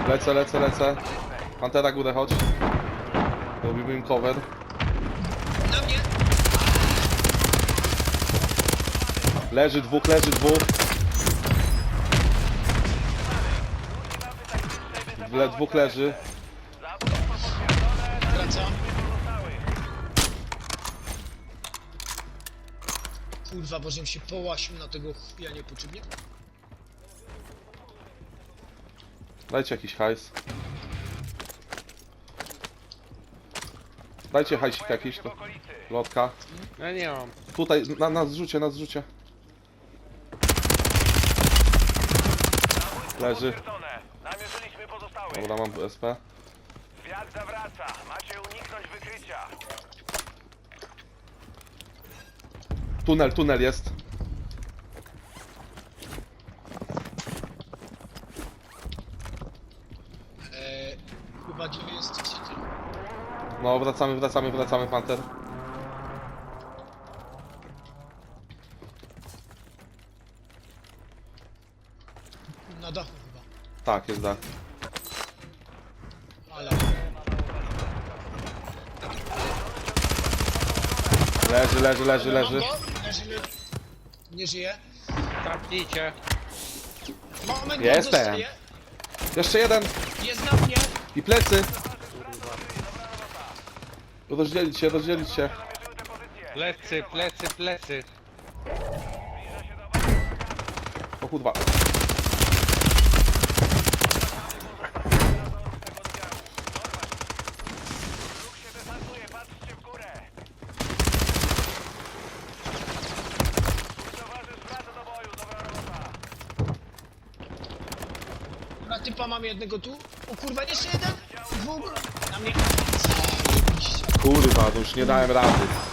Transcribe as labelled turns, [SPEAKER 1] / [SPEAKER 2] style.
[SPEAKER 1] Lecę. Pantera górę, chodź. Robimy im cover.
[SPEAKER 2] Na mnie!
[SPEAKER 1] Leży dwóch. Dwóch leży.
[SPEAKER 2] Wracam. Kurwa, bo żebym się połasił na tego chuja niepotrzebnie.
[SPEAKER 1] Dajcie jakiś hajs. Dajcie hajsik jakiś, to lotka.
[SPEAKER 3] Ja nie mam.
[SPEAKER 1] Tutaj, na zrzucie. Leży.
[SPEAKER 4] Namierzyliśmy pozostałych.
[SPEAKER 1] Dobra, mam SP.
[SPEAKER 4] Zwiat zawraca. Macie uniknąć wykrycia.
[SPEAKER 1] Tunel jest.
[SPEAKER 2] Chyba gdzie jesteście ty?
[SPEAKER 1] No, wracamy, Panther.
[SPEAKER 2] Na dachu chyba.
[SPEAKER 1] Tak, jest dach.
[SPEAKER 2] Ale...
[SPEAKER 1] Leży.
[SPEAKER 2] Leży. Nie żyje.
[SPEAKER 3] Trafnijcie.
[SPEAKER 2] Moment,
[SPEAKER 1] Jestem.
[SPEAKER 2] dostaję.
[SPEAKER 1] Jeszcze jeden.
[SPEAKER 2] Jest na mnie.
[SPEAKER 1] I plecy. Rozdzielić się.
[SPEAKER 3] Plecy.
[SPEAKER 1] O kurwa.
[SPEAKER 4] Ruch się desantuje. Patrzcie w górę. Towarzysz wraca do boju. Dobra robota.
[SPEAKER 2] Na typa mam jednego tu. O kurwa, jeszcze jeden. Dwóch. Na mnie. Zajebiście.
[SPEAKER 1] Kurwa, to już nie dałem rady.